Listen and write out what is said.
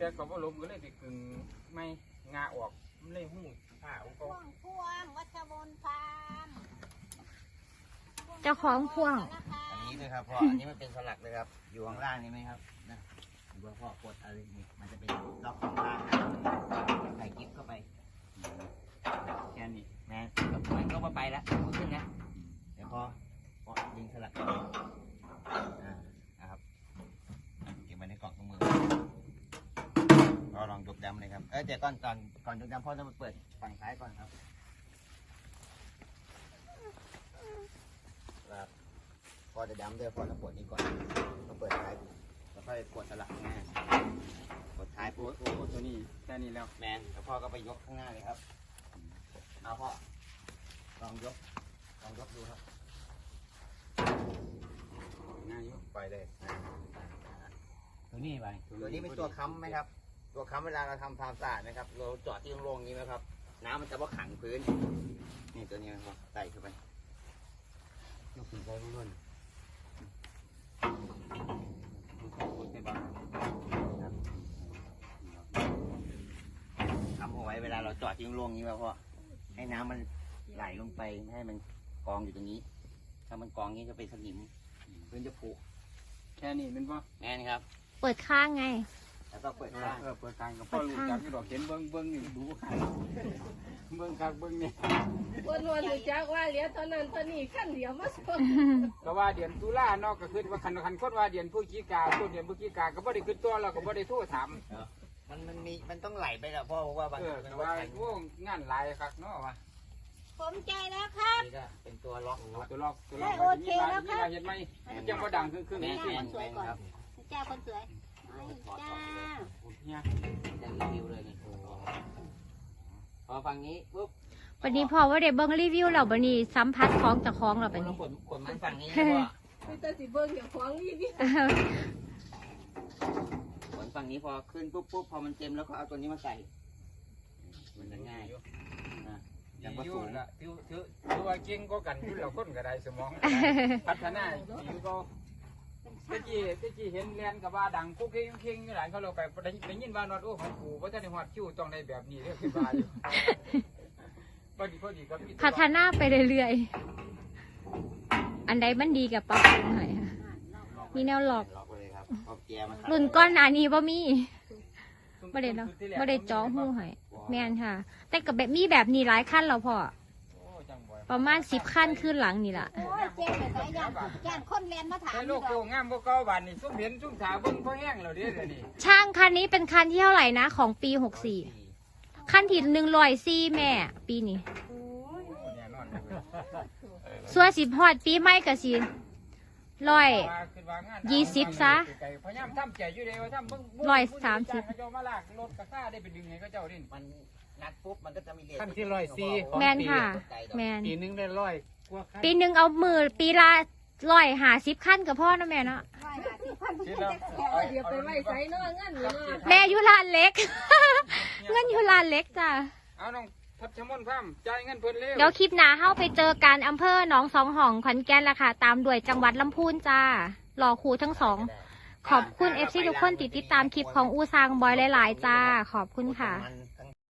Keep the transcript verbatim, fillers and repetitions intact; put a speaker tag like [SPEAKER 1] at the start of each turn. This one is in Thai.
[SPEAKER 1] แต่ก็บ่ล้มก็เลยไปกึ่งไม่งาออกมันเลยหู้ผ้าของเขา
[SPEAKER 2] พ่วงพ่วงวัชรบนฟาร์ม
[SPEAKER 3] เจ้าของพ่วง
[SPEAKER 4] อันนี้ด้วยครับพ่ออันนี้มันเป็นสลักเลยครับอยู่ข้างล่างนี่ไหมครับนะดูพ่อกดอะไรนี่มันจะเป็นล็อกข้างล่างใส่กิ๊บเข้าไปแค่นี้นะกับมันก็ไปแล้วขึ้นนะเดี๋ยวพอพอยิงสลักอ่านะครับเก็บไว้ในกล่องตรงมือเราลองยกดำเลยครับเออแต่ก่อนก่อนก่อนยกดำพ่อต้องมาเปิดฝั่งซ้ายก่อนครับครับพอจะดำด้วยพอจะปวดนี้ก่อนมาเปิดท้ายแล้วค่อยกดสลักง่ายกดท้าย
[SPEAKER 1] โอ้
[SPEAKER 4] ปุ๊บ
[SPEAKER 1] โหตัวนี้แค่นี้แล้ว
[SPEAKER 4] แมนแล้วพ่อก็ไปยกข้างหน้าเลยครับเอาพ่อลองยกลองยกดูครับ
[SPEAKER 1] ง่ายอยู่
[SPEAKER 4] ไปเลย
[SPEAKER 1] ตัวนี้ไป
[SPEAKER 4] ตัวนี้เป็นตัวค้ำไหมครับ ตัวค้ำเวลาเราทำความสะอาดนะครับเราจอดที่โล่งๆนี้ไหมครับน้ำมันจะว่าขังพื้นนี่ตัวนี้ครับใส่เข้าไป
[SPEAKER 1] ยกขึ้นไปล้วนๆ
[SPEAKER 4] ทำเอาไว้เวลาเราจอดที่โล่งๆนี้ไว้พ่อให้น้ำมันไหลลงไปไม่ให้มันกองอยู่ตรงนี้ ถ้ามันกองนี้จะเป็นสนิมพื้นจะผุ
[SPEAKER 1] แค่นี้มันบ่
[SPEAKER 4] แน่นครับ
[SPEAKER 3] เปิดข้างไง
[SPEAKER 4] แล้วก็เปิด
[SPEAKER 1] เอ
[SPEAKER 4] ข้าง
[SPEAKER 1] อเปิดทางกับพ่อรู้จักที่ดอกเห็นเบิ้งเบิ้งนี่ดูขายเบิ้งคักเบิ้งนี่
[SPEAKER 5] วันวันรู้จักว่าเหลียวตอนนั้นตอนนี้ขั้นเดียวมาส่ง
[SPEAKER 1] ก็ว่าเดือนตุลาเนาะก็คือว่าคันคันคนว่าเดือนพฤศจิกาต้นเดือนพฤศจิกาก็บ่ได้ขึ้นตัวเราก็บ่ได้โทรถาม
[SPEAKER 4] มันมันมีมันต้องไหลไปแล้วพ่อเพราะว่าบาง
[SPEAKER 1] เออ
[SPEAKER 4] มั
[SPEAKER 1] แต่
[SPEAKER 4] น
[SPEAKER 1] ว่า
[SPEAKER 4] ว่า
[SPEAKER 1] โอ้งานหลายคักเนาะว่า
[SPEAKER 2] ผมใจแล้วครับ
[SPEAKER 4] นี่ก็เป็นตัวล็อก
[SPEAKER 1] โอ้ตัวลอกตัวลอก
[SPEAKER 2] โอเคแล้วครับ
[SPEAKER 1] เห็นไหมมันยังบ่ดังครึ่งครึ่ง
[SPEAKER 4] แม
[SPEAKER 1] นี่
[SPEAKER 4] นแมนแมนครับ
[SPEAKER 2] เจ้าคนสวยจ้า
[SPEAKER 1] เนี่ย
[SPEAKER 4] จะรีวิวเลยนี่พอฝั่งนี้ปุ๊บ
[SPEAKER 3] วันนี้พอว่าเดี๋ยวเบิ้งรีวิวเราบันนี้สัมผัสของเจ้าของเราไป
[SPEAKER 4] เรา
[SPEAKER 3] นี่
[SPEAKER 4] ขนขนมันฝั่งนี้พ่อ
[SPEAKER 5] ไม่ต้องสิเบิ่งอย่างของนี่นี่
[SPEAKER 4] ขนฝั่งนี้พอขึ้นปุ๊บปุ๊บพอมันเต็มแล้วก็เอาตัวนี้มาใส่มันจะง่ายนะ
[SPEAKER 1] ยังบ่สูงละถือถือถือว่าเก่งก็กันอยู่แล้วคนก็ได้สมองพัฒนาดีก็ตะกี้ตะกี้เห็นแลนกับว่าดังคุกเข่งเข่งหลานเขาเราไปได้ยินว่านอดโอ้ของกูว่าจะได้ฮอดคิวต้องได้แบบนี้เด้อคือว่าอยู่พอดีพอดีก็มี
[SPEAKER 3] พัฒนาไปเรื่อยๆ อันใดมันดีกับปรับปรุงหน่อยค่ะมีแนวหลอก
[SPEAKER 4] ล็อกไปเลยครับเอาเกียร์มา
[SPEAKER 3] รุ่นก้อนหนานี้บ่มีบ่ได้เนาะบ่ได้จ้อหูให้แม่นค่ะ แต่กับแบบมีแบบนี้หลายขั้นแล้วพอประมาณสิบขั้นขึ้นหลังนี่ล่ะ
[SPEAKER 2] โอ้ยเจ๊ไปไหนย่านย่านคนเรียนมาถาม
[SPEAKER 1] แต่
[SPEAKER 2] อ
[SPEAKER 1] โล
[SPEAKER 2] ยู่
[SPEAKER 1] ก
[SPEAKER 2] ด
[SPEAKER 1] โก
[SPEAKER 2] อก
[SPEAKER 1] งามบ่เก่าบานนี่ซุ่มเห็นซุ่มถาเบิ่งพอแห้งแล้วเด้อเดี๋ยวนี้
[SPEAKER 3] ช่างคันนี้เป็นคันที่เท่าไหร่นะของปีหกสี่คันที่หนึ่งร้อยสี่แม่ ปีนี้
[SPEAKER 1] เนี่ยนอนเลย
[SPEAKER 3] ส่วนสิบฮอดปีใหม่ก็สิร้อย
[SPEAKER 1] ว่าขึ้นว่างาน
[SPEAKER 3] ยี่สิบซะ
[SPEAKER 1] พยายามทำใจอยู่เด้ว่าทำเบิ่ง
[SPEAKER 3] ร้อยสามสิบ
[SPEAKER 1] เขาเจ้ามาลากรถกระซ่าได้ไปดึงให้เขาเจ้าดิ
[SPEAKER 4] มันนัดปุ๊บมันก็จะมีเลท
[SPEAKER 1] ขั้นที่ร้อยสี่
[SPEAKER 3] แมนค่ะ แมน
[SPEAKER 1] ปีนึงได้ร้อยกว่าขั้น
[SPEAKER 3] ปีหนึ่งเอามือปีละร้อยหาสิบขั้นกับพ่อนะแม่เนาะ
[SPEAKER 2] ร้อยห้าสิบพัน
[SPEAKER 1] คิดแล้ว
[SPEAKER 5] เดี๋ยวไปไว้ใส่เนาะงั้นเนาะ
[SPEAKER 3] แม่อยู่ร้านเล็ก เงินอยู่ร้านเล็กจ้ะ
[SPEAKER 1] เอาน้องทับชะมนพ่ำจ่ายเงินเพิ่นเร็ว
[SPEAKER 3] เดี๋ยวคลิปหน้าเข้าไปเจอกันอำเภอหนองสองห้องขอนแก่นละค่ะ ตามด้วยจังหวัดลำพูนจ้ารอครูทั้งสอง ขอบคุณเอฟซีทุกคนติดติดตามคลิปของอูซางบอยหลายๆจ้า ขอบคุณค่ะ
[SPEAKER 4] มัน